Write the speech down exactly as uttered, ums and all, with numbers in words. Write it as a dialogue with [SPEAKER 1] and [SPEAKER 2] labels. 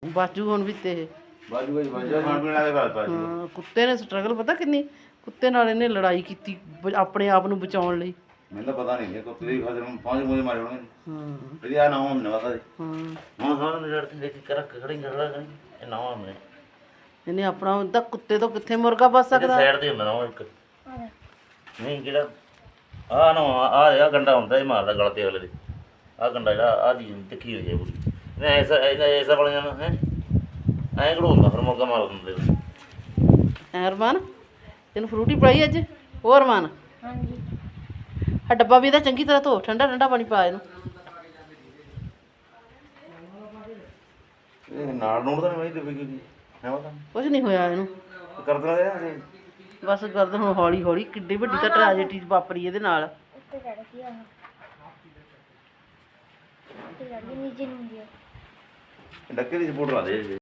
[SPEAKER 1] ਬਾਜੂ ਹੁਣ ਵੀ ਤੇ
[SPEAKER 2] ਬਾਜੂ ਬਾਜੂ ਬਾਜੂ ਖਾਣ ਪੀਣ ਵਾਲੇ ਗੱਲ ਬਾਜੂ
[SPEAKER 1] ਹਾਂ ਕੁੱਤੇ ਨੇ ਸਟਰਗਲ ਪਤਾ ਕਿੰਨੀ ਕੁੱਤੇ ਨਾਲ ਇਹਨੇ ਲੜਾਈ ਕੀਤੀ ਬ- ਆਪਣੇ ਆਪ ਨੂੰ ਬਚਾਉਣ ਲਈ।
[SPEAKER 2] ਮੈਨੂੰ ਤਾਂ ਪਤਾ ਨਹੀਂ ਕੁੱਤੇ ਦੀ ਖਾਤਰ ਪੰਜ ਮੂਹੇ ਮਾਰੇ ਹੋਣਗੇ
[SPEAKER 1] ਹਾਂ
[SPEAKER 2] ਇਹਦੀ ਆ ਨਾ ਹੋਣ ਨਾ ਪਤਾ
[SPEAKER 1] ਹਾਂ
[SPEAKER 2] ਹਾਂ ਹਾਂ ਨੇ ਲੜ ਕੇ ਦੇਖ ਕਰ ਖੜੀ ਕਰ ਕਰੀ ਇਹ ਨਾ ਹੋਣੇ
[SPEAKER 1] ਇਹਨੇ ਆਪਣਾ ਹੁੰਦਾ ਕੁੱਤੇ ਤੋਂ ਕਿੱਥੇ ਮੁਰਗਾ ਬਚ ਸਕਦਾ।
[SPEAKER 2] ਸਾਈਡ ਤੇ ਹੁੰਦਾ ਨਾ ਉਹ ਇੱਕ ਨਹੀਂ ਜਿਹੜਾ ਆ ਨਾ ਆ ਆ ਗੰਡਾ ਹੁੰਦਾ ਇਹ ਮਾਰਦਾ ਗਲ ਤੇ ਅਗਲੇ ਦੇ ਆ ਗੰਡਾ ਜਿਹੜਾ ਆ ਦੀ ਤਿੱਖੀ ਹੋਈ ਹੈ ਪੂਰੀ ਨਾ ਐਸਾ ਐਸਾ ਵਾਲੀਆਂ ਨਾ ਹੈ ਐਂ ਘੜੋਂਦਾ ਫਿਰ ਮੌਕਾ ਮਾਰ ਦਿੰਦੇ
[SPEAKER 1] ਐ ਅਰਮਾਨ ਤੈਨੂੰ ਫਰੂਟੀ ਪੜਾਈ ਅੱਜ ਹੋਰ ਅਰਮਾਨ?
[SPEAKER 3] ਹਾਂਜੀ
[SPEAKER 1] ਆ ਡੱਬਾ ਵੀ ਇਹਦਾ ਚੰਗੀ ਤਰ੍ਹਾਂ ਧੋ ਠੰਡਾ ਠੰਡਾ ਪਾਣੀ ਪਾ ਇਹਨੂੰ।
[SPEAKER 2] ਇਹ ਨਾਲ ਨੂੜ ਤਾਂ ਨਹੀਂ ਦੇਵੇ ਕੀ ਹੈ ਪਤਾ
[SPEAKER 1] ਕੁਝ ਨਹੀਂ ਹੋਇਆ ਇਹਨੂੰ
[SPEAKER 2] ਕਰ ਦੇਣਾ ਦੇ
[SPEAKER 1] ਬਸ ਗਰਦਨ ਹੁਣ ਹੌਲੀ ਹੌਲੀ ਕਿੱਡੀ ਵੱਡੀ ਤਾਂ ਟ੍ਰੈਜੇਡੀ ਵਾਪਰੀ ਇਹਦੇ ਨਾਲ।
[SPEAKER 3] ਉੱਤੇ ਚੜ ਗਈ ਆ ਉੱਤੇ ਚੜ ਗਈ ਨੀਚੇ ਨੂੰ ਹੁੰਦੀ ਆ
[SPEAKER 2] ਡੱਕੇ ਦੀ ਸਪੋਰਟ ਲਾ ਦੇ